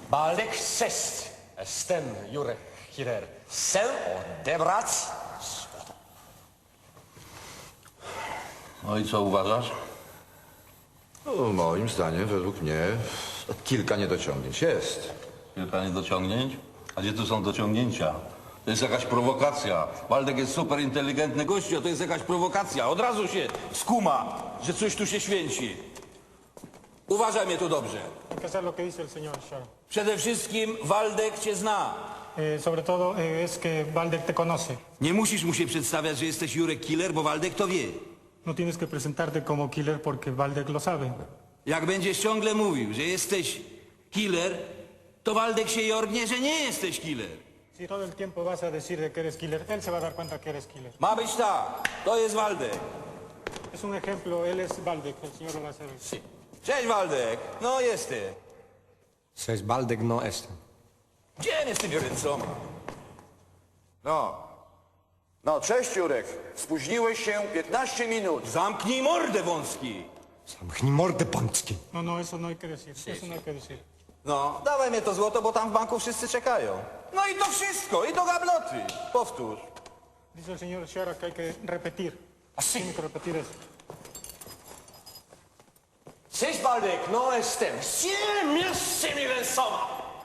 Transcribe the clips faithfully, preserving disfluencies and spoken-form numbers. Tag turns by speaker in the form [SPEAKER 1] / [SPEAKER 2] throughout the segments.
[SPEAKER 1] Baldek sześć. Jestem Jurek Killer. Chcę odebrać złoto.
[SPEAKER 2] No i co uważasz?
[SPEAKER 3] No, moim zdaniem, według mnie, kilka niedociągnięć jest.
[SPEAKER 2] Kilka niedociągnięć? A gdzie tu są dociągnięcia? To jest jakaś prowokacja. Waldek jest super inteligentny gościu, a to jest jakaś prowokacja. Od razu się skuma, że coś tu się święci. Uważaj mnie tu dobrze.
[SPEAKER 4] Hay que hacer lo que dice el señor Shara.
[SPEAKER 2] Przede wszystkim Waldek cię zna.
[SPEAKER 4] Eh, sobre todo eh, es que Valdek te conoce.
[SPEAKER 2] Nie musisz mu się przedstawiać, że jesteś Jurek Killer, bo Waldek to wie.
[SPEAKER 4] No tienes que presentarte como killer porque Valdek lo sabe.
[SPEAKER 2] Jak będziesz ciągle mówił, że jesteś killer, to Waldek się jorgnie, że nie jesteś killer.
[SPEAKER 4] Si todo el tiempo vas a decir de que eres killer, él se va a dar cuenta que eres killer.
[SPEAKER 2] Ma być tak, to jest Waldek.
[SPEAKER 4] Es un ejemplo, él es Valdek, el señor lo va a hacer.
[SPEAKER 1] Sí.
[SPEAKER 2] Cześć Waldek, no jesteś.
[SPEAKER 5] Cześć, Baldek, no jestem.
[SPEAKER 2] Gdzie jest tymi ręcoma?
[SPEAKER 6] No. No, cześć Jurek. Spóźniłeś się piętnaście minut.
[SPEAKER 2] Zamknij mordę wąski.
[SPEAKER 5] Zamknij mordę, pański.
[SPEAKER 4] No, no, eso no hay que decir. Eso no hay que decir.
[SPEAKER 2] No, dawaj mnie to złoto, bo tam w banku wszyscy czekają. No i to wszystko, i do gabloty. Powtórz.
[SPEAKER 4] Dice el señor Shara que hay que repetir. Tiene que repetir eso.
[SPEAKER 1] Cześć, Baldek, no jestem. Siedem z tymi ręcoma.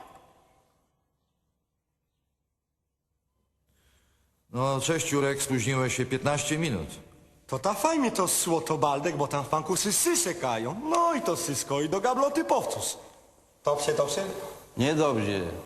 [SPEAKER 3] No, cześć Jurek, spóźniłeś się piętnaście minut.
[SPEAKER 5] To ta fajnie to złoto, Baldek, bo tam w banku wszyscy czekają. No i to wszystko, i do gabloty powtórz. Dobrze, dobrze?
[SPEAKER 2] Niedobrze.